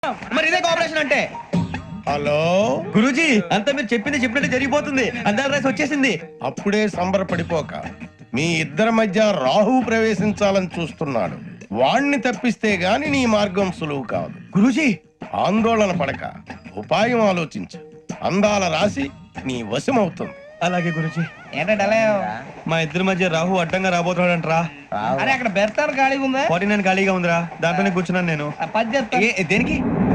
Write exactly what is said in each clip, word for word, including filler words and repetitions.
మరి ఇదే కోఆపరేషన్ అంటే. హలో గురూజీ, అంతా మీరు చెప్పింది చెప్పినట్టు జరిగిపోతుంది. అందాల రైస్ వచ్చేసింది. అప్పుడే సంబరపడిపోక మీ ఇద్దరి మధ్య రాహు ప్రవేశించాలని చూస్తున్నాడు. వాణ్ణి తప్పిస్తే గాని నీ మార్గం సులువు కాదు. గురూజీ, ఆందోళన పడక ఉపాయం ఆలోచించు. అందాల రాశి నీ వశమవుతుంది. అలాగే గురూజీ. ఏంటంటే మా ఇద్దరి మధ్య రాహు అడ్డంగా రాబోతున్నాడంట్రా. అరే అక్కడ బెర్తాను ఖాళీగా ఉందా? ఫార్టీ నైన్ ఖాళీగా ఉందిరా, దాంట్లోనే కూర్చున్నాను నేను. ఆ పది చెప్తా. ఏ, దేనికి?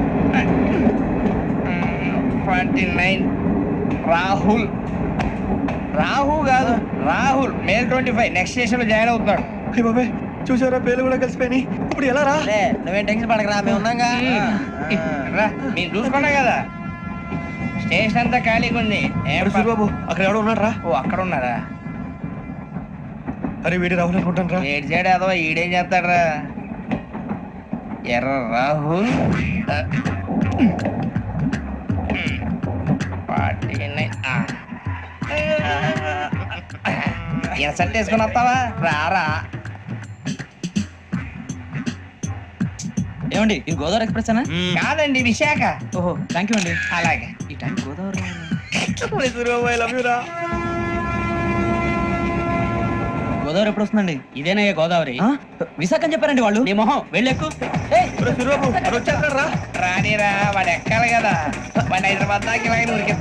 ట్వంటీ నైన్ రాహుల్ రాహు కాదు Rahul May twenty five next station లో జాయిన్ అవుతున్నాడు. అయ్య బాబాయ్, చూసారా పేర్లు కూడా కలిసిపోయినాయి. ఇప్పుడు ఎలా రా? నువ్వేం టెన్షన్ పడకరా, మేము ఉన్నాగా. రా, మీరు చూసుకున్నా కదా స్టేషన్ అంతా ఖాళీగా ఉంది. ఏం అరే సూరిబాబు, అక్కడ ఎవడో ఉన్నాడు రా. ఓ అక్కడ ఉన్నారా? అరే వీడి రాహుల్ అనుకుంటాను రా. ఏడు సైడ్ అదో ఈడేం చేస్తాడరా? ఎర్ర రాహుల్ ఎసట్ వేసుకుని వస్తావా? రారా. ఏమండి, ఇది గోదావరి ఎక్స్ప్రెస్ అనా? కాదండి, విశాఖ. ఓహో, థ్యాంక్ యూ అండి. అలాగే. ఈ time Godavari Suribabu, I love you రా. గోదావరి ఎప్పుడు వస్తుందండి? ఇదేనయ్యా గోదావరి. విశాఖ అని చెప్పారండి వాళ్ళు. నీ మొహం వెళ్ళెక్కు. ఒరే సూరిబాబు, వాడు వచ్చేస్తాడు రా. రానిరా, వాడు ఎక్కాలి కదా. వాడు హైదరాబాద్ దాకా ఇలాగే ఉరికి